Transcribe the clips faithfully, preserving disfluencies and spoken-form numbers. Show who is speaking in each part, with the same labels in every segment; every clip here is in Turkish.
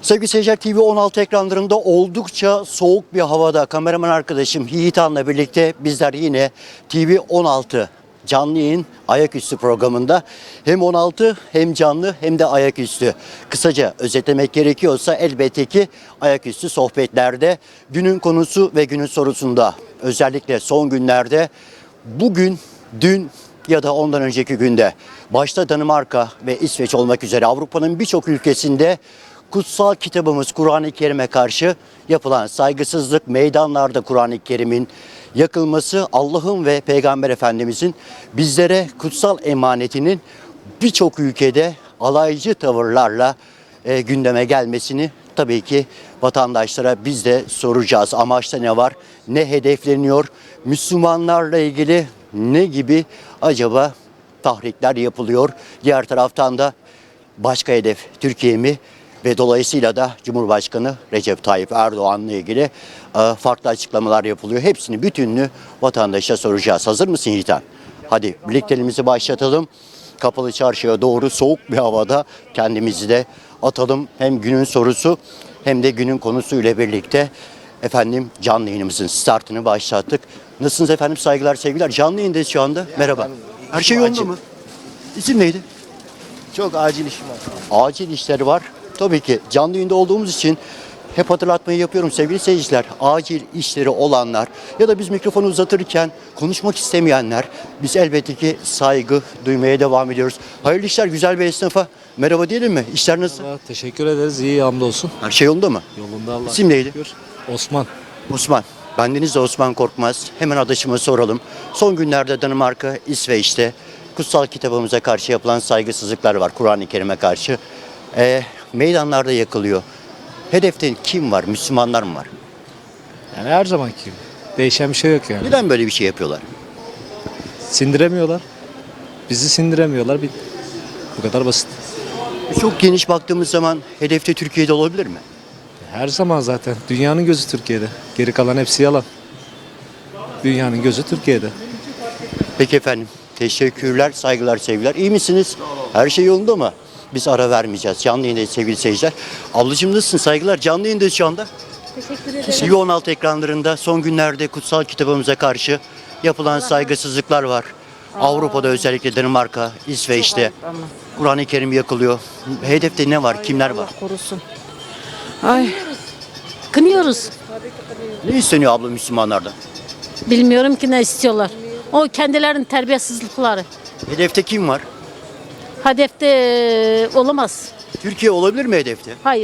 Speaker 1: Sevgili seyirciler, T V on altı ekranlarında oldukça soğuk bir havada kameraman arkadaşım Yiğitan'la birlikte bizler yine T V on altı canlı yayın ayaküstü programında hem on altı hem canlı hem de ayaküstü. Kısaca özetlemek gerekiyorsa elbette ki ayaküstü sohbetlerde günün konusu ve günün sorusunda, özellikle son günlerde, bugün, dün ya da ondan önceki günde başta Danimarka ve İsveç olmak üzere Avrupa'nın birçok ülkesinde kutsal kitabımız Kur'an-ı Kerim'e karşı yapılan saygısızlık, meydanlarda Kur'an-ı Kerim'in yakılması, Allah'ın ve Peygamber Efendimizin bizlere kutsal emanetinin birçok ülkede alaycı tavırlarla e, gündeme gelmesini tabii ki vatandaşlara biz de soracağız. Amaçta ne var? Ne hedefleniyor? Müslümanlarla ilgili ne gibi acaba tahrikler yapılıyor? Diğer taraftan da başka hedef Türkiye mi? Ve dolayısıyla da Cumhurbaşkanı Recep Tayyip Erdoğan'la ilgili e, farklı açıklamalar yapılıyor. Hepsini, bütününü vatandaşa soracağız. Hazır mısın Yiğitan? Hadi birlikteliğimizi başlatalım. Kapalı Çarşı'ya doğru soğuk bir havada kendimizi de atalım. Hem günün sorusu hem de günün konusuyla birlikte efendim canlı yayınımızın startını başlattık. Nasılsınız efendim? Saygılar, sevgiler. Canlı yayındayız şu anda. Merhaba. Her şey yolunda mı? İsim neydi?
Speaker 2: Çok acil işim var.
Speaker 1: Acil işleri var. Tabii ki canlı yayında olduğumuz için hep hatırlatmayı yapıyorum sevgili seyirciler. Acil işleri olanlar ya da biz mikrofonu uzatırken konuşmak istemeyenler, biz elbette ki saygı duymaya devam ediyoruz. Hayırlı işler güzel bir esnafa. Merhaba diyelim mi? İşler nasıl?
Speaker 3: Merhaba, teşekkür ederiz. İyi, hamdolsun.
Speaker 1: Her şey yolunda mı?
Speaker 3: Yolunda Allah.
Speaker 1: İsim neydi?
Speaker 3: Şükür. Osman.
Speaker 1: Osman. Bendeniz de Osman Korkmaz. Hemen adaşıma soralım. Son günlerde Danimarka, İsveç'te kutsal kitabımıza karşı yapılan saygısızlıklar var. Kur'an-ı Kerim'e karşı. Ee, meydanlarda yakılıyor. Hedefte kim var? Müslümanlar mı var?
Speaker 3: Yani her zamanki gibi. Değişen bir şey yok yani.
Speaker 1: Neden böyle bir şey yapıyorlar?
Speaker 3: Sindiremiyorlar. Bizi sindiremiyorlar. Bir... Bu kadar basit.
Speaker 1: Çok geniş baktığımız zaman hedefte Türkiye'de olabilir mi?
Speaker 3: Her zaman zaten. Dünyanın gözü Türkiye'de. Geri kalan hepsi yalan. Dünyanın gözü Türkiye'de.
Speaker 1: Peki efendim. Teşekkürler, saygılar, sevgiler. İyi misiniz? Her şey yolunda mı? Biz ara vermeyeceğiz. Canlı yayındayız sevgili seyirciler. Ablacığım nasılsın? Saygılar. Canlı yayındayız şu anda.
Speaker 4: Teşekkür ederim.
Speaker 1: T V on altı ekranlarında son günlerde kutsal kitabımıza karşı yapılan saygısızlıklar var. Avrupa'da özellikle Danimarka, İsveç'te Kur'an-ı Kerim yakılıyor. Hedefte ne var? Kimler var?
Speaker 4: Korusun. Ay. Kınıyoruz.
Speaker 1: Ne isteniyor abla Müslümanlardan?
Speaker 4: Bilmiyorum ki ne istiyorlar. O kendilerinin terbiyesizlikleri.
Speaker 1: Hedefte kim var?
Speaker 4: Hedefte e, olamaz.
Speaker 1: Türkiye olabilir mi hedefte?
Speaker 4: Hayır.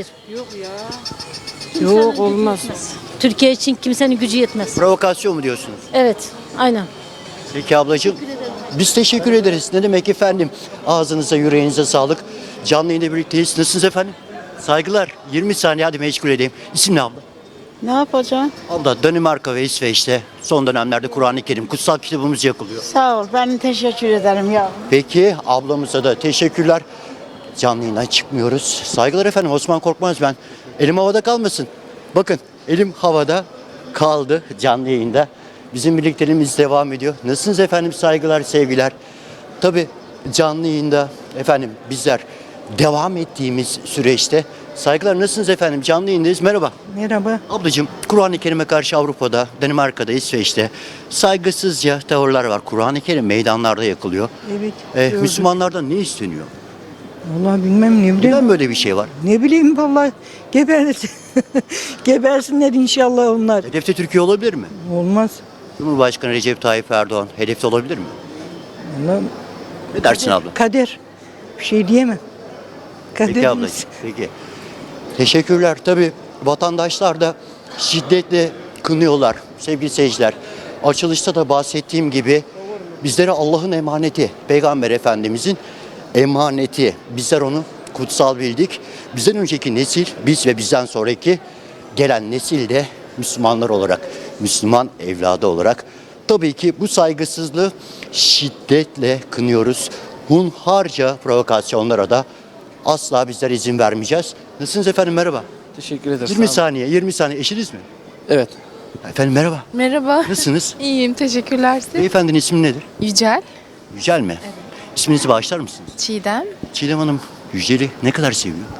Speaker 5: Yok olmaz.
Speaker 4: Türkiye için kimsenin gücü yetmez.
Speaker 1: Provokasyon mu diyorsunuz?
Speaker 4: Evet. Aynen.
Speaker 1: Peki ablacığım. Biz teşekkür ederiz. Ne demek efendim? Ağzınıza, yüreğinize sağlık. Canlı yayında birlikteyiz. Nasılsınız efendim? Saygılar. yirmi saniye hadi meşgul edeyim. İsim ne abla?
Speaker 5: Ne yapacaksın?
Speaker 1: Abla Danimarka ve İsveç'te son dönemlerde Kur'an-ı Kerim, kutsal kitabımız yakılıyor.
Speaker 5: Sağ ol. Ben teşekkür ederim ya.
Speaker 1: Peki ablamıza da teşekkürler. Canlı yayından çıkmıyoruz. Saygılar efendim, Osman Korkmaz ben. Elim havada kalmasın. Bakın elim havada kaldı canlı yayında. Bizim birlikteliğimiz devam ediyor. Nasılsınız efendim? Saygılar, sevgiler. Tabii canlı yayında efendim bizler devam ettiğimiz süreçte saygılar. Nasılsınız efendim? Canlı yayındayız. Merhaba.
Speaker 5: Merhaba.
Speaker 1: Ablacığım, Kur'an-ı Kerim'e karşı Avrupa'da, Danimarka'da, İsveç'te saygısızca tavırlar var. Kur'an-ı Kerim meydanlarda yakılıyor.
Speaker 5: Evet.
Speaker 1: Ee,
Speaker 5: gördüm.
Speaker 1: Müslümanlardan ne isteniyor?
Speaker 5: Vallahi bilmem ne bileyim.
Speaker 1: Neden böyle bir şey var?
Speaker 5: Ne bileyim vallahi gebersin. Gebersinler inşallah onlar.
Speaker 1: Hedefte Türkiye olabilir mi?
Speaker 5: Olmaz.
Speaker 1: Cumhurbaşkanı Recep Tayyip Erdoğan hedefte olabilir mi?
Speaker 5: Vallahi
Speaker 1: Ne dersin abla?
Speaker 5: kader. Bir şey diyemem.
Speaker 1: Peki
Speaker 5: Kaderimiz.
Speaker 1: ablacığım, peki. Teşekkürler. Tabii vatandaşlar da şiddetle kınıyorlar sevgili seyirciler. Açılışta da bahsettiğim gibi bizlere Allah'ın emaneti, Peygamber Efendimizin emaneti. Bizler onu kutsal bildik. Bizden önceki nesil, biz ve bizden sonraki gelen nesil de Müslümanlar olarak, Müslüman evladı olarak tabii ki bu saygısızlığı şiddetle kınıyoruz. Hunharca provokasyonlara da asla bizler izin vermeyeceğiz. Nasılsınız efendim? Merhaba.
Speaker 2: Teşekkür ederim.
Speaker 1: yirmi saniye, yirmi saniye. Eşiniz mi?
Speaker 2: Evet.
Speaker 1: Efendim merhaba.
Speaker 6: Merhaba.
Speaker 1: Nasılsınız?
Speaker 6: İyiyim, teşekkürler siz.
Speaker 1: Beyefendinin ismi nedir?
Speaker 6: Yücel,
Speaker 1: Yücel mi? Evet. İsminizi bağışlar mısınız?
Speaker 6: Çiğdem.
Speaker 1: Çiğdem Hanım Yücel'i ne kadar seviyor?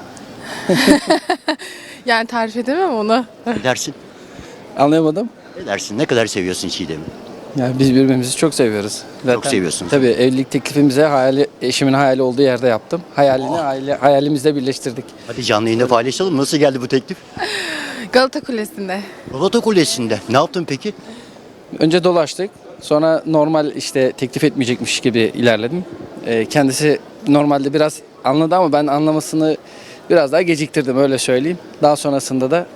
Speaker 6: Yani tarif edemem onu.
Speaker 1: Ne dersin?
Speaker 2: Anlayamadım.
Speaker 1: Ne dersin? Ne kadar seviyorsun Çiğdem'i?
Speaker 2: Yani biz birbirimizi çok seviyoruz.
Speaker 1: Çok seviyorsunuz.
Speaker 2: Tabii evlilik teklifimize hayali, eşimin hayali olduğu yerde yaptım. Hayalini aile, hayalimizle birleştirdik.
Speaker 1: Hadi canlı yayında paylaşalım. Nasıl geldi bu teklif?
Speaker 6: Galata Kulesi'nde.
Speaker 1: Galata Kulesi'nde. Ne yaptın peki?
Speaker 2: Önce dolaştık. Sonra normal işte teklif etmeyecekmiş gibi ilerledim. Ee, kendisi normalde biraz anladı ama ben anlamasını biraz daha geciktirdim, öyle söyleyeyim. Daha sonrasında da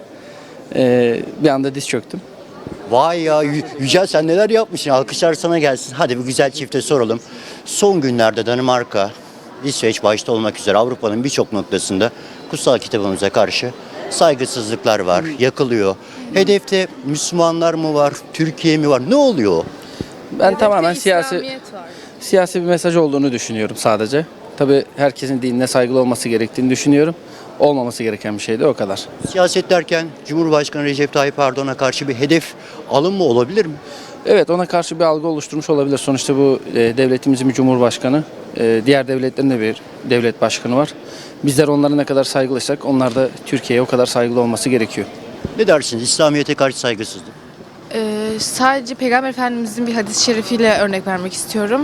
Speaker 2: e, bir anda diz çöktüm.
Speaker 1: Vay ya Yü- Yücel, sen neler yapmışsın? Alkışlar sana gelsin. Hadi bu güzel çifte soralım. Son günlerde Danimarka, İsveç başta olmak üzere Avrupa'nın birçok noktasında kutsal kitabımıza karşı saygısızlıklar var, yakılıyor. Hedefte Müslümanlar mı var, Türkiye mi var? Ne oluyor o?
Speaker 2: Ben tamamen siyasi
Speaker 6: var.
Speaker 2: siyasi bir mesaj olduğunu düşünüyorum sadece. Tabii herkesin dinine saygılı olması gerektiğini düşünüyorum. Olmaması gereken bir şey de o kadar.
Speaker 1: Siyaset derken Cumhurbaşkanı Recep Tayyip Erdoğan'a karşı bir hedef alınma olabilir mi?
Speaker 2: Evet, ona karşı bir algı oluşturmuş olabilir. Sonuçta bu e, devletimizin bir cumhurbaşkanı, e, diğer devletlerin de bir devlet başkanı var. Bizler onlara ne kadar saygılıysak onlar da Türkiye'ye o kadar saygılı olması gerekiyor.
Speaker 1: Ne dersiniz? İslamiyet'e karşı saygısızlık.
Speaker 6: Ee, sadece Peygamber Efendimizin bir hadis-i şerifiyle örnek vermek istiyorum.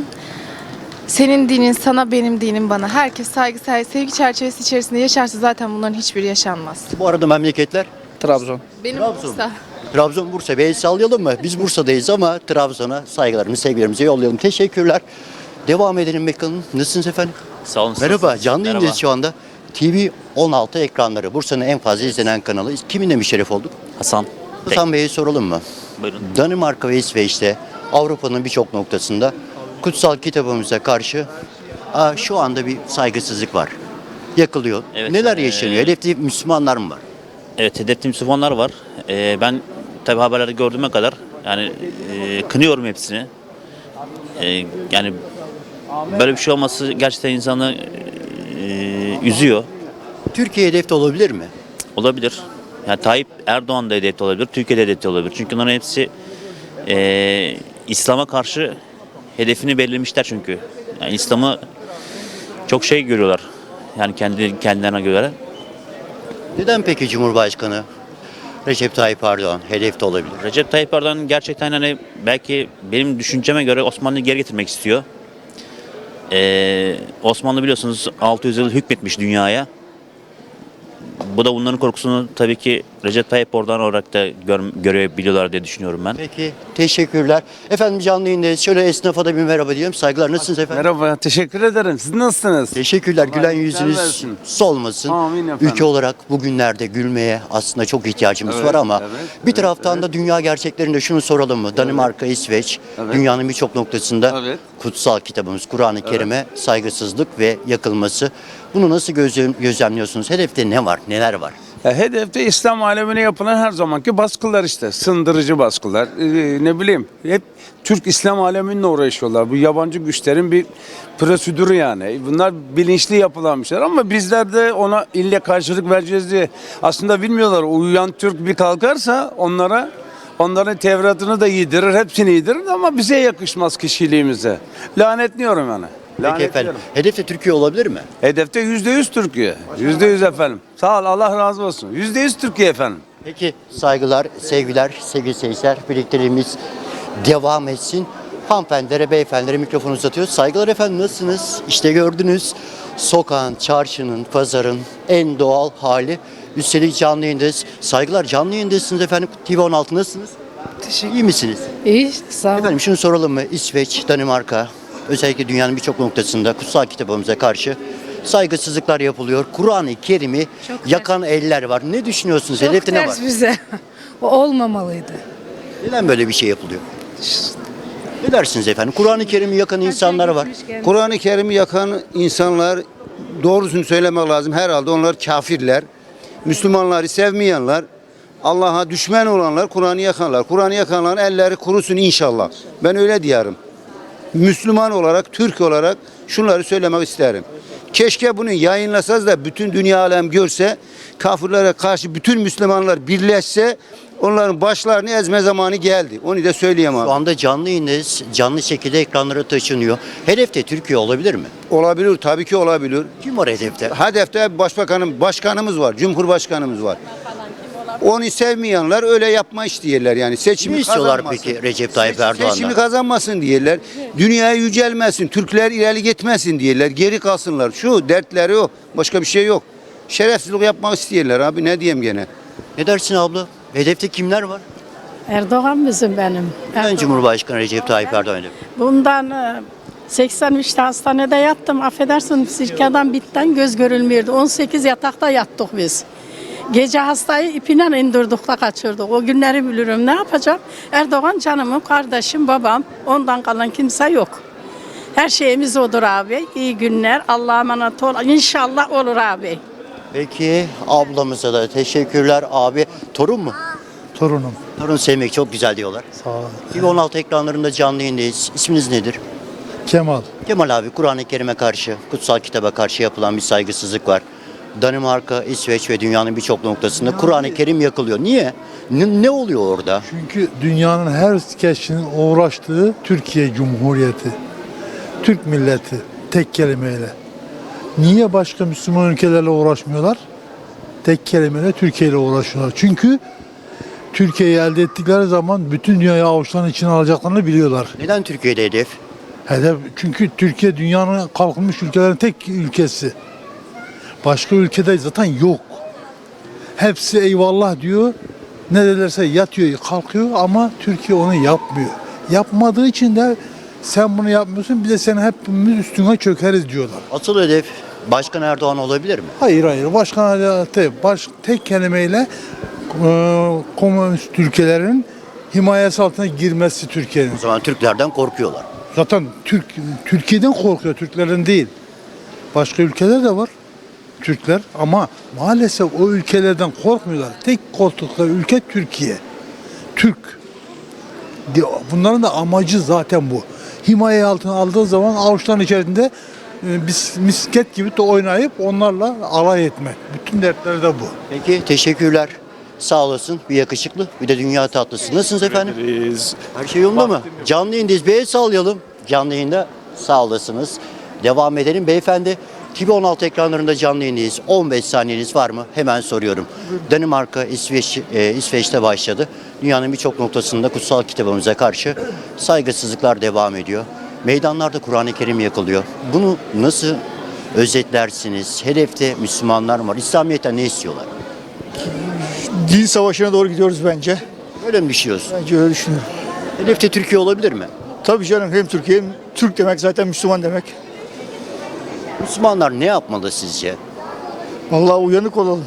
Speaker 6: Senin dinin sana, benim dinim bana. Herkes saygı, sevgi çerçevesi içerisinde yaşarsa zaten bunların hiçbiri yaşanmaz.
Speaker 1: Bu arada memleketler
Speaker 2: Trabzon.
Speaker 6: Benim
Speaker 1: Trabzon.
Speaker 6: Bursa.
Speaker 1: Trabzon, Bursa. Bir el sallayalım mı? Biz Bursa'dayız ama Trabzon'a saygılarımızı, sevgilerimizi yollayalım. Teşekkürler. Devam edelim bakalım. Nasılsınız efendim?
Speaker 7: Sağ olun.
Speaker 1: Merhaba. Canlı
Speaker 7: Merhaba.
Speaker 1: yayındayız şu anda. T V on altı ekranları. Bursa'nın en fazla izlenen kanalı. Kiminle müşerref olduk?
Speaker 7: Hasan.
Speaker 1: Hasan Bey'e soralım mı?
Speaker 7: Buyurun.
Speaker 1: Danimarka ve İsveç'te Avrupa'nın birçok noktasında kutsal kitabımıza karşı aa, şu anda bir saygısızlık var. Yakılıyor.
Speaker 7: Evet,
Speaker 1: Neler
Speaker 7: ee,
Speaker 1: yaşanıyor? Hedefte Müslümanlar mı var?
Speaker 7: Evet, hedefte Müslümanlar var. Ee, ben tabi haberlerde gördüğüme kadar yani e, kınıyorum hepsini. E, yani böyle bir şey olması gerçekten insanı e, üzüyor.
Speaker 1: Türkiye hedefte olabilir mi?
Speaker 7: Olabilir. Yani Tayyip Erdoğan da hedefte olabilir, Türkiye'de hedefte olabilir. Çünkü onların hepsi e, İslam'a karşı hedefini belirlemişler çünkü. Yani İslam'ı çok şey görüyorlar. Yani kendi kendilerine göre.
Speaker 1: Neden peki Cumhurbaşkanı Recep Tayyip Erdoğan hedefte olabilir?
Speaker 7: Recep Tayyip Erdoğan gerçekten hani belki benim düşünceme göre Osmanlı'yı geri getirmek istiyor. Ee, Osmanlı biliyorsunuz altı yüz yıl hükmetmiş dünyaya. Bu da bunların korkusunu tabii ki Recep Tayyip Erdoğan olarak da gör, görebiliyorlar diye düşünüyorum ben.
Speaker 1: Peki, teşekkürler. Efendim canlı yayındayız. Şöyle esnafa da bir merhaba diyelim. Saygılar. Nasılsınız efendim?
Speaker 8: Merhaba, teşekkür ederim. Siz nasılsınız?
Speaker 1: Teşekkürler. Gülen
Speaker 8: Allah iyilik
Speaker 1: yüzünüz
Speaker 8: versin.
Speaker 1: solmasın.
Speaker 8: Amin efendim.
Speaker 1: Ülke olarak bugünlerde gülmeye aslında çok ihtiyacımız
Speaker 8: Evet,
Speaker 1: var ama
Speaker 8: evet,
Speaker 1: bir
Speaker 8: evet,
Speaker 1: taraftan
Speaker 8: evet.
Speaker 1: da dünya gerçeklerinde şunu soralım mı? Danimarka, İsveç,
Speaker 8: Evet.
Speaker 1: dünyanın birçok noktasında
Speaker 8: Evet.
Speaker 1: kutsal kitabımız Kur'an-ı Kerim'e saygısızlık ve yakılması. Bunu nasıl gözlem- gözlemliyorsunuz? Hedefte ne var? Neler var?
Speaker 8: Ya, hedefte İslam alemine yapılan her zamanki baskılar işte. Sındırıcı baskılar. Ee, ne bileyim. Hep Türk İslam aleminle uğraşıyorlar. Bu yabancı güçlerin bir prosedürü yani. Bunlar bilinçli yapılan bir şeyler ama bizler de ona ille karşılık vereceğiz diye. Aslında bilmiyorlar. Uyuyan Türk bir kalkarsa onlara onların Tevrat'ını da yedirir, hepsini yedirir ama bize yakışmaz kişiliğimize. Lanetliyorum yani.
Speaker 1: Peki efendim.
Speaker 8: Lanetliyorum.
Speaker 1: Hedefte Türkiye olabilir mi?
Speaker 8: Hedefte yüzde yüz Türkiye. Yüzde yüz efendim. Sağ ol, Allah razı olsun. Yüzde yüz Türkiye efendim.
Speaker 1: Peki saygılar, sevgiler, sevgili seyirciler. Birlikteliğimiz devam etsin. Hanımefendilere, beyefendilere mikrofonu uzatıyoruz. Saygılar efendim, nasılsınız? İşte gördünüz sokağın, çarşının, pazarın en doğal hali. Üstelik canlı yayındayız. Saygılar, canlı yayındasınız efendim. T V on altı nasılsınız?
Speaker 5: Teşekkür
Speaker 1: İyi misiniz?
Speaker 5: İyi, sağ olun.
Speaker 1: Efendim şunu soralım mı? İsveç, Danimarka, özellikle dünyanın birçok noktasında kutsal kitabımıza karşı saygısızlıklar yapılıyor. Kur'an-ı Kerim'i yakan eller var. Ne düşünüyorsunuz?
Speaker 5: Çok
Speaker 1: Hedefte ne var?
Speaker 5: ters bize. O olmamalıydı.
Speaker 1: Neden böyle bir şey yapılıyor? Ne dersiniz efendim? Kur'an-ı Kerim'i yakan insanlar var.
Speaker 9: Kur'an-ı Kerim'i yakan insanlar, doğrusunu söylemek lazım, herhalde onlar kafirler. Müslümanları sevmeyenler, Allah'a düşman olanlar Kur'an'ı yakanlar. Kur'an'ı yakanların elleri kurusun inşallah. Ben öyle diyorum. Müslüman olarak, Türk olarak şunları söylemek isterim. Keşke bunu yayınlasanız da bütün dünya alem görse, kafirlere karşı bütün Müslümanlar birleşse, onların başlarını ezme zamanı geldi. Onu da söyleyeyim
Speaker 1: Şu
Speaker 9: abi.
Speaker 1: anda canlı yayındayız. Canlı şekilde ekranlara taşınıyor. Hedefte Türkiye olabilir mi?
Speaker 9: Olabilir, tabii ki olabilir.
Speaker 1: Kim var hedefte?
Speaker 9: Hedefte başbakanım, başkanımız var, cumhurbaşkanımız var. Onu sevmeyenler öyle yapma istiyorlar yani. Seçimi
Speaker 1: Ne istiyorlar
Speaker 9: kazanmasın.
Speaker 1: peki Recep Tayyip
Speaker 9: Seç-
Speaker 1: Erdoğan'dan?
Speaker 9: Seçimi kazanmasın diyorlar. Dünya yücelmesin, Türkler ileri gitmesin diyorlar. Geri kalsınlar. Şu dertleri o. Başka bir şey yok. Şerefsizlik yapmak istiyorlar abi, ne diyeyim gene.
Speaker 1: Ne dersin abla? Hedefte kimler var?
Speaker 10: Erdoğan bizim benim.
Speaker 1: Ben Cumhurbaşkanı Recep Tayyip Erdoğan.
Speaker 10: Bundan e, seksen üçte hastanede yattım. Affedersin sirkeden bitten göz görülmüyordu. on sekiz yatakta yattık biz. Gece hastayı ipinden indirdik da kaçırdık. O günleri bilirim. Ne yapacağım? Erdoğan canımın, kardeşim, babam. Ondan kalan kimse yok. Her şeyimiz odur abi. İyi günler. Allah'a emanet ol. İnşallah olur abi.
Speaker 1: Peki ablamıza da teşekkürler abi. Torun mu?
Speaker 11: Torunum.
Speaker 1: Torun sevmek çok güzel diyorlar.
Speaker 11: Sağ ol.
Speaker 1: T V on altı ekranlarında canlı yayındayız. İsminiz nedir?
Speaker 11: Kemal.
Speaker 1: Kemal abi, Kur'an-ı Kerim'e karşı, kutsal kitaba karşı yapılan bir saygısızlık var. Danimarka, İsveç ve dünyanın birçok noktasında Kur'an-ı Kerim yakılıyor. Niye? Ne, ne oluyor orada?
Speaker 11: Çünkü dünyanın her kişinin uğraştığı Türkiye Cumhuriyeti. Türk milleti tek kelimeyle. Niye başka Müslüman ülkelerle uğraşmıyorlar? Tek kelimeyle Türkiye ile uğraşıyorlar. Çünkü Türkiye'yi elde ettikleri zaman bütün dünyayı avuçlarının içine alacaklarını biliyorlar.
Speaker 1: Neden Türkiye'de hedef?
Speaker 11: Hedef, çünkü Türkiye dünyanın kalkınmış ülkelerin tek ülkesi. Başka ülkede zaten yok. Hepsi eyvallah diyor. Ne derlerse yatıyor, kalkıyor ama Türkiye onu yapmıyor. Yapmadığı için de sen bunu yapmıyorsun, bir de seni hepimiz üstüne çökeriz diyorlar.
Speaker 1: Asıl hedef Başkan Erdoğan olabilir mi?
Speaker 11: Hayır hayır. Başkan adaleti baş, tek kelimeyle e, komünist ülkelerin himayesi altına girmesi Türkiye'nin.
Speaker 1: O zaman Türklerden korkuyorlar.
Speaker 11: Zaten Türk Türkiye'den korkuyor, Türklerden değil. Başka ülkeler de var. Türkler ama maalesef o ülkelerden korkmuyorlar. Tek korktukları ülke Türkiye. Türk. Bunların da amacı zaten bu. Himaye altına aldığı zaman avuçların içerisinde e, bis, misket gibi de oynayıp onlarla alay etmek. Bütün dertleri de bu.
Speaker 1: Peki teşekkürler. Sağ olasın. Bir yakışıklı, bir de dünya tatlısı. Nasılsınız efendim? Her şey yolunda mı? Canlı yayındayız. Bir el sallayalım. Canlı yayında sağ olasınız. Devam edelim. Beyefendi, T V on altı ekranlarında canlı yayındayız. on beş saniyeniz var mı? Hemen soruyorum. Danimarka, İsveç, e, İsveç'te başladı. Dünyanın birçok noktasında kutsal kitabımıza karşı saygısızlıklar devam ediyor. Meydanlarda Kur'an-ı Kerim yakılıyor. Bunu nasıl özetlersiniz? Hedefte Müslümanlar var. İslamiyet'ten ne istiyorlar?
Speaker 12: Din savaşına doğru gidiyoruz bence.
Speaker 1: Öyle mi düşünüyorsun?
Speaker 12: Bence öyle düşünüyorum.
Speaker 1: Hedefte Türkiye olabilir mi?
Speaker 12: Tabii canım, hem Türkiye hem Türk demek zaten Müslüman demek.
Speaker 1: Müslümanlar ne yapmalı sizce?
Speaker 12: Vallahi uyanık olalım,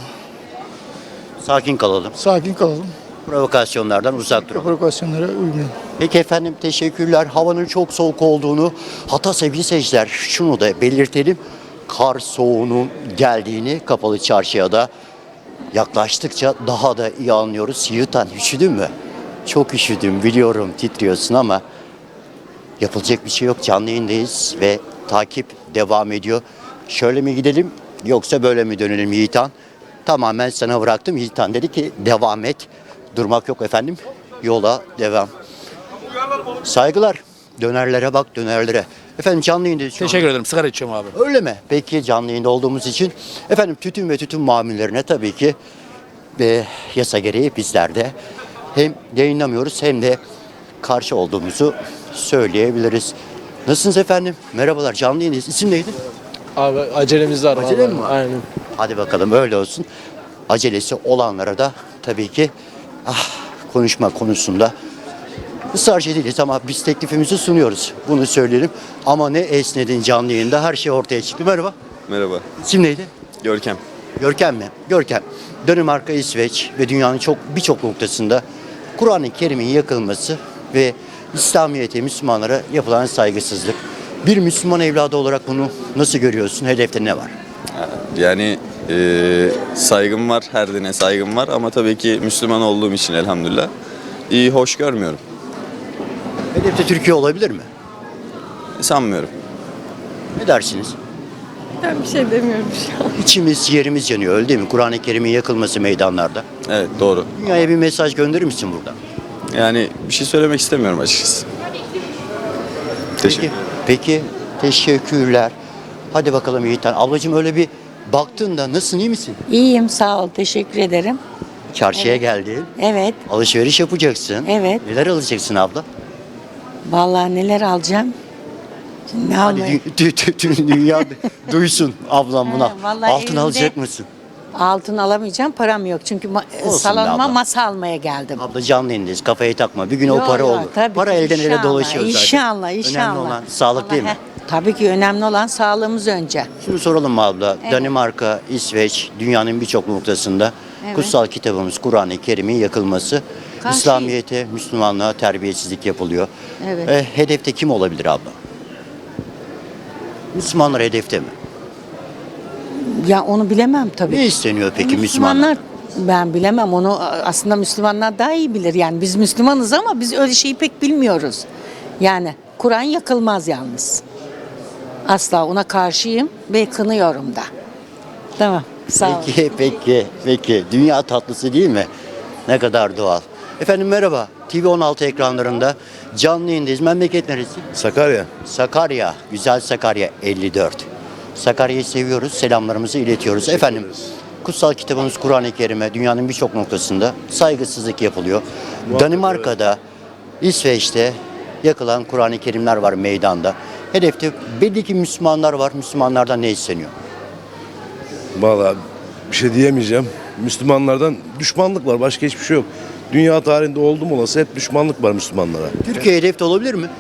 Speaker 1: Sakin kalalım.
Speaker 12: sakin kalalım,
Speaker 1: Provokasyonlardan uzak duralım.
Speaker 12: provokasyonlara uymayalım.
Speaker 1: Peki efendim, teşekkürler. Havanın çok soğuk olduğunu, hatta sevgili seyirciler şunu da belirtelim. Kar soğuğunun geldiğini Kapalı Çarşı'ya da yaklaştıkça daha da iyi anlıyoruz. Yiğitan, üşüdün mü? Çok üşüdüm biliyorum, titriyorsun ama yapılacak bir şey yok. Canlı yayındayız ve takip devam ediyor. Şöyle mi gidelim yoksa böyle mi dönelim Yiğitan? Tamamen sana bıraktım. Yiğitan dedi ki devam et. Durmak yok efendim. Yola devam. Saygılar. Dönerlere bak, dönerlere. Efendim canlı yayındayız şu
Speaker 2: Teşekkür
Speaker 1: an.
Speaker 2: ederim. Sigara içiyorum abi.
Speaker 1: Öyle mi? Peki canlı yayında olduğumuz için efendim tütün ve tütün mamullerine tabii ki e, yasa gereği bizler de hem yayınlamıyoruz hem de karşı olduğumuzu söyleyebiliriz. Nasılsınız efendim? Merhabalar, canlı yayındayız. İsim neydi?
Speaker 2: Abi acelemiz var.
Speaker 1: Acele mi var?
Speaker 2: Aynen.
Speaker 1: Hadi bakalım öyle olsun. Acelesi olanlara da tabii ki ah, konuşma konusunda ısrarcı değiliz ama biz teklifimizi sunuyoruz. Bunu söyleyelim. Ama ne esnedin canlı yayında, her şey ortaya çıktı. Merhaba.
Speaker 13: Merhaba.
Speaker 1: İsim neydi?
Speaker 13: Görkem.
Speaker 1: Görkem mi? Görkem. Danimarka, İsveç ve dünyanın çok birçok noktasında Kur'an-ı Kerim'in yakılması ve İslamiyet'e, Müslümanlara yapılan saygısızlık. Bir Müslüman evladı olarak bunu nasıl görüyorsun? Hedefte ne var?
Speaker 13: Yani e, saygım var, her dine saygım var ama tabii ki Müslüman olduğum için elhamdülillah iyi, hoş görmüyorum.
Speaker 1: Hedefte Türkiye olabilir mi?
Speaker 13: Sanmıyorum.
Speaker 1: Ne dersiniz?
Speaker 6: Ben bir şey demiyorum şu an.
Speaker 1: İçimiz yerimiz yanıyor öyle değil mi? Kur'an-ı Kerim'in yakılması meydanlarda.
Speaker 13: Evet doğru.
Speaker 1: Dünyaya bir mesaj gönderir misin buradan?
Speaker 13: Yani bir şey söylemek istemiyorum açıkçası. Teşekkür
Speaker 1: Peki, peki teşekkürler. Hadi bakalım Yiğitan. Ablacığım öyle bir baktığında nasılsın, iyi misin?
Speaker 5: İyiyim, sağ ol. Teşekkür ederim.
Speaker 1: Çarşıya geldin.
Speaker 5: Evet,
Speaker 1: Alışveriş yapacaksın.
Speaker 5: Evet.
Speaker 1: Neler alacaksın abla?
Speaker 5: vallahi neler alacağım? Ne
Speaker 1: Hadi
Speaker 5: almayı-
Speaker 1: dü- dü- dü- tüm dünya duysun ablam buna.
Speaker 5: Ha, vallahi
Speaker 1: Altın
Speaker 5: elimde-
Speaker 1: alacak mısın?
Speaker 5: Altın alamayacağım, param yok. Çünkü ma-
Speaker 1: Olsun be
Speaker 5: salonuma
Speaker 1: abla.
Speaker 5: masa almaya geldim.
Speaker 1: Abla canlı yayındayız. Kafayı takma. Bir gün o
Speaker 5: Yok,
Speaker 1: para
Speaker 5: yok,
Speaker 1: olur.
Speaker 5: tabii
Speaker 1: Para
Speaker 5: ki,
Speaker 1: elden ele
Speaker 5: inşallah,
Speaker 1: dolaşıyor zaten.
Speaker 5: İnşallah, inşallah.
Speaker 1: Önemli olan sağlık değil mi?
Speaker 5: Vallahi, heh, tabii ki önemli olan sağlığımız önce.
Speaker 1: Şunu soralım mı abla? Danimarka, İsveç, dünyanın birçok noktasında
Speaker 5: Evet.
Speaker 1: kutsal kitabımız Kur'an-ı Kerim'in yakılması,
Speaker 5: Karşıyız.
Speaker 1: İslamiyet'e, Müslümanlığa terbiyesizlik yapılıyor.
Speaker 5: Evet.
Speaker 1: E, hedefte kim olabilir abla? Müslümanlar hedefte mi?
Speaker 5: Ya onu bilemem tabii.
Speaker 1: Ne isteniyor peki Müslümanlar?
Speaker 5: Ben bilemem onu, aslında Müslümanlar daha iyi bilir. Yani biz Müslümanız ama biz öyle şeyi pek bilmiyoruz. Yani Kur'an yakılmaz yalnız. Asla ona karşıyım ve kınıyorum da. Tamam. Sağ ol.
Speaker 1: Peki, peki, peki. Dünya tatlısı değil mi? Ne kadar doğal. Efendim merhaba. T V on altı ekranlarında canlı yayındayız. Memleket neresi?
Speaker 14: Sakarya.
Speaker 1: Sakarya. Güzel Sakarya elli dört. Sakarya'yı seviyoruz. Selamlarımızı iletiyoruz. Efendim kutsal kitabımız Kur'an-ı Kerim'e dünyanın birçok noktasında saygısızlık yapılıyor. Danimarka'da, İsveç'te yakılan Kur'an-ı Kerimler var meydanda. Hedefte belli ki Müslümanlar var. Müslümanlardan ne isteniyor?
Speaker 14: Vallahi bir şey diyemeyeceğim. Müslümanlardan düşmanlık var. Başka hiçbir şey yok. Dünya tarihinde oldum olası hep düşmanlık var Müslümanlara.
Speaker 1: Türkiye hedefte olabilir mi?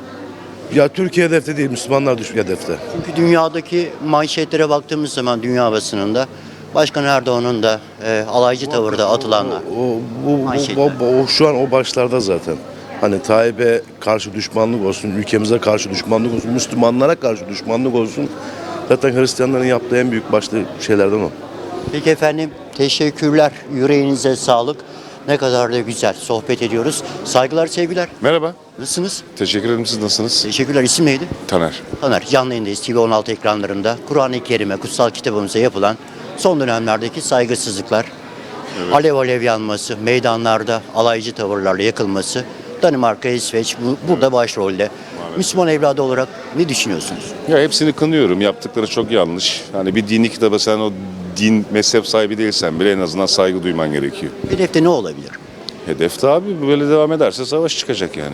Speaker 14: Ya Türkiye hedefte değil, Müslümanlar düşük hedefte.
Speaker 1: Çünkü dünyadaki manşetlere baktığımız zaman dünya basınında Başkan Erdoğan'ın da e, alaycı tavırda atılanlar.
Speaker 14: O, bu, bu,
Speaker 1: Manşetler.
Speaker 14: bu- o şu an o başlarda zaten. Hani Tayyip'e karşı düşmanlık olsun, ülkemize karşı düşmanlık olsun, Müslümanlara karşı düşmanlık olsun. Zaten Hristiyanların yaptığı en büyük başlı şeylerden o.
Speaker 1: Peki efendim teşekkürler. Yüreğinize sağlık. Ne kadar da güzel sohbet ediyoruz. Saygılar, sevgiler.
Speaker 15: Merhaba.
Speaker 1: Nasılsınız?
Speaker 15: Teşekkür ederim. Siz nasılsınız?
Speaker 1: Teşekkürler. İsim neydi?
Speaker 15: Taner.
Speaker 1: Taner. Canlı yayındayız. T V on altı ekranlarında Kur'an-ı Kerim'e, kutsal kitabımıza yapılan son dönemlerdeki saygısızlıklar, alev alev yanması, meydanlarda alaycı tavırlarla yakılması, Danimarka, İsveç bu, burada başrolde. Müslüman evladı olarak ne düşünüyorsunuz?
Speaker 15: Ya hepsini kınıyorum. Yaptıkları çok yanlış. Hani bir dini kitaba sen o din mezhep sahibi değilsen bile en azından saygı duyman gerekiyor.
Speaker 1: Hedefte ne olabilir?
Speaker 15: Hedefte abi böyle devam ederse savaş çıkacak yani.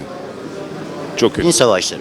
Speaker 15: Çok kötü.
Speaker 1: Din savaşları.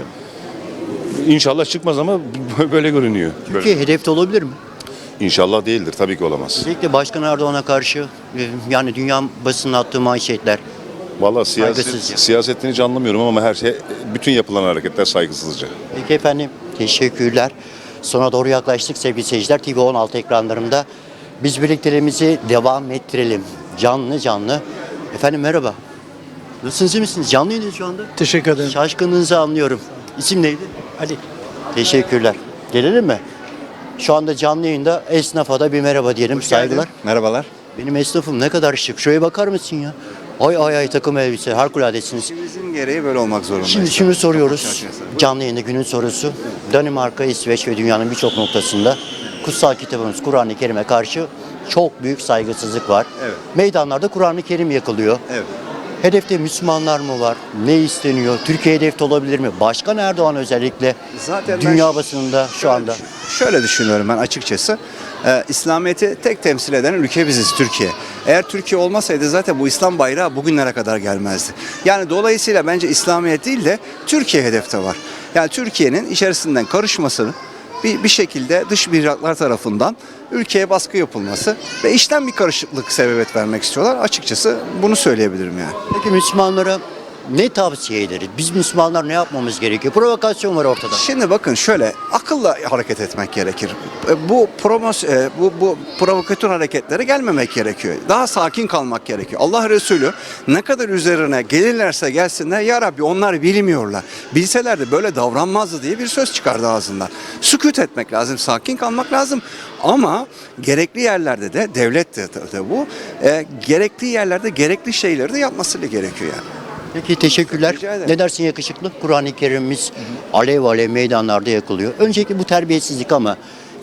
Speaker 15: İnşallah çıkmaz ama böyle görünüyor. Böyle.
Speaker 1: Türkiye hedefte olabilir mi?
Speaker 15: İnşallah değildir. Tabii ki olamaz.
Speaker 1: Özellikle Başkan Erdoğan'a karşı e, yani dünya basının attığı manşetler.
Speaker 15: Vallahi siyaset,
Speaker 1: Saygısızca.
Speaker 15: siyasetini hiç anlamıyorum ama her şey, bütün yapılan hareketler saygısızca.
Speaker 1: Peki efendim teşekkürler. Sona doğru yaklaştık sevgili seyirciler. T V on altı ekranlarında biz birlikteliğimizi devam ettirelim. Canlı canlı. Efendim merhaba. Nasılsınız, iyi misiniz? Canlı yayındayız şu anda.
Speaker 12: Teşekkür ederim.
Speaker 1: Şaşkınlığınızı anlıyorum. İsim neydi?
Speaker 12: Ali.
Speaker 1: Teşekkürler. Gelelim mi? Şu anda canlı yayında esnafa da bir merhaba diyelim. Saygılar.
Speaker 16: Merhabalar.
Speaker 1: Benim esnafım ne kadar şık. Şuraya bakar mısın ya? Ay ay ay takım elbise. Harikuladesiniz.
Speaker 16: İşimizin gereği böyle olmak zorunda.
Speaker 1: Şimdi şunu soruyoruz. Canlı yayında günün sorusu. Danimarka, İsveç ve dünyanın birçok noktasında kutsal kitabımız Kur'an-ı Kerim'e karşı çok büyük saygısızlık var.
Speaker 16: Evet.
Speaker 1: Meydanlarda Kur'an-ı Kerim yakılıyor.
Speaker 16: Evet.
Speaker 1: Hedefte Müslümanlar mı var? Ne isteniyor? Türkiye hedefte olabilir mi? Başkan Erdoğan özellikle
Speaker 16: Zaten ben
Speaker 1: dünya
Speaker 16: ş-
Speaker 1: basınında şu
Speaker 16: şöyle
Speaker 1: anda.
Speaker 16: düşün- Şöyle düşünüyorum ben açıkçası. Ee, İslamiyet'i tek temsil eden ülke biziz, Türkiye. Eğer Türkiye olmasaydı zaten bu İslam bayrağı bugünlere kadar gelmezdi. Yani dolayısıyla bence İslamiyet değil de Türkiye hedefte var. Yani Türkiye'nin içerisinden karışmasını bir, bir şekilde dış mihraklar tarafından ülkeye baskı yapılması ve işten bir karışıklık sebebiyet vermek istiyorlar. Açıkçası bunu söyleyebilirim yani.
Speaker 1: Peki Müslümanlara ne tavsiye ederiz? Biz Müslümanlar ne yapmamız gerekiyor? Provokasyon var ortada.
Speaker 16: Şimdi bakın şöyle akılla hareket etmek gerekir. E, Bu promos e, bu bu provokatör hareketlere gelmemek gerekiyor. Daha sakin kalmak gerekiyor. Allah Resulü ne kadar üzerine gelirlerse gelsinler ya Rabbi onlar bilmiyorlar. Bilselerdi böyle davranmazdı diye bir söz çıkardı ağzından. Sükût etmek lazım, sakin kalmak lazım. Ama gerekli yerlerde de devlet de, de bu e, gerekli yerlerde gerekli şeyleri de yapması gerekiyor yani.
Speaker 1: Peki teşekkürler.
Speaker 16: Rica ederim.
Speaker 1: Ne dersin yakışıklı? Kur'an-ı Kerim'imiz alev alev meydanlarda yakılıyor. Önceki bu terbiyesizlik ama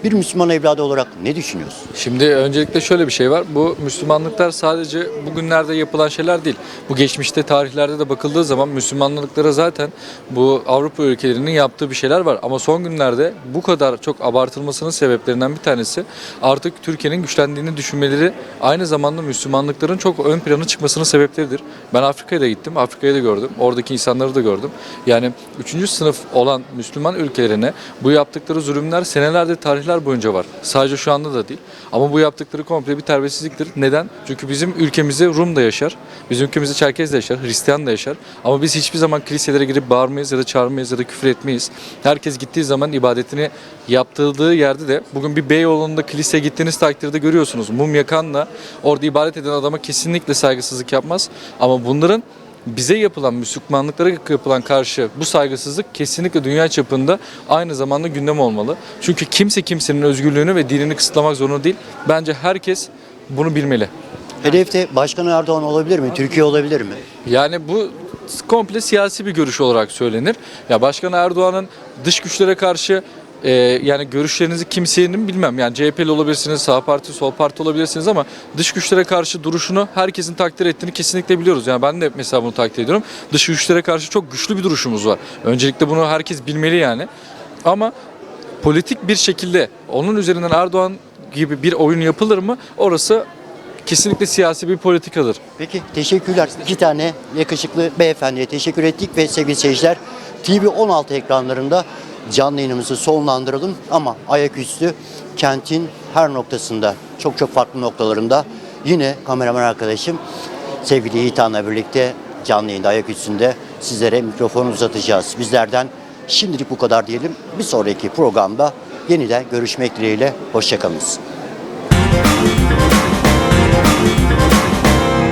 Speaker 1: Bir Müslüman evladı olarak ne düşünüyorsun?
Speaker 17: Şimdi öncelikle şöyle bir şey var. Bu Müslümanlıklar sadece bugünlerde yapılan şeyler değil. Bu geçmişte tarihlerde de bakıldığı zaman Müslümanlıklara zaten bu Avrupa ülkelerinin yaptığı bir şeyler var. Ama son günlerde bu kadar çok abartılmasının sebeplerinden bir tanesi artık Türkiye'nin güçlendiğini düşünmeleri, aynı zamanda Müslümanlıkların çok ön plana çıkmasının sebepleridir. Ben Afrika'ya da gittim. Afrika'yı da gördüm. Oradaki insanları da gördüm. Yani üçüncü sınıf olan Müslüman ülkelerine bu yaptıkları zulümler senelerdir, tarihler boyunca var. Sadece şu anda da değil. Ama bu yaptıkları komple bir terbiyesizliktir. Neden? Çünkü bizim ülkemizde Rum da yaşar. Bizim ülkemizde Çerkez de yaşar. Hristiyan da yaşar. Ama biz hiçbir zaman kiliselere girip bağırmayız ya da çağırmayız ya da küfür etmeyiz. Herkes gittiği zaman ibadetini yaptırdığı yerde de, bugün bir Beyoğlu'nda kiliseye gittiğiniz takdirde görüyorsunuz. Mum yakanla orada ibadet eden adama kesinlikle saygısızlık yapmaz. Ama bunların bize yapılan, Müslümanlıklara yapılan karşı bu saygısızlık kesinlikle dünya çapında aynı zamanda gündem olmalı. Çünkü kimse kimsenin özgürlüğünü ve dinini kısıtlamak zorunda değil. Bence herkes bunu bilmeli.
Speaker 1: Hedefte Başkan Erdoğan olabilir mi? Türkiye olabilir mi?
Speaker 17: Yani bu komple siyasi bir görüş olarak söylenir. Ya Başkan Erdoğan'ın dış güçlere karşı Ee, yani görüşlerinizi kimsenin bilmem. Yani C H P'li olabilirsiniz, sağ parti, sol parti olabilirsiniz ama dış güçlere karşı duruşunu herkesin takdir ettiğini kesinlikle biliyoruz. Yani ben de mesela bunu takdir ediyorum. Dış güçlere karşı çok güçlü bir duruşumuz var. Öncelikle bunu herkes bilmeli yani. Ama politik bir şekilde onun üzerinden Erdoğan gibi bir oyun yapılır mı? Orası kesinlikle siyasi bir politikadır.
Speaker 1: Peki, teşekkürler. İki tane yakışıklı beyefendiye teşekkür ettik ve sevgili seyirciler, T V on altı ekranlarında canlı yayınımızı sonlandıralım ama ayaküstü kentin her noktasında, çok çok farklı noktalarında yine kameraman arkadaşım sevgili Yiğitan'la birlikte canlı yayında ayaküstünde sizlere mikrofonu uzatacağız. Bizlerden şimdilik bu kadar diyelim. Bir sonraki programda yeniden görüşmek dileğiyle. Hoşça kalınız.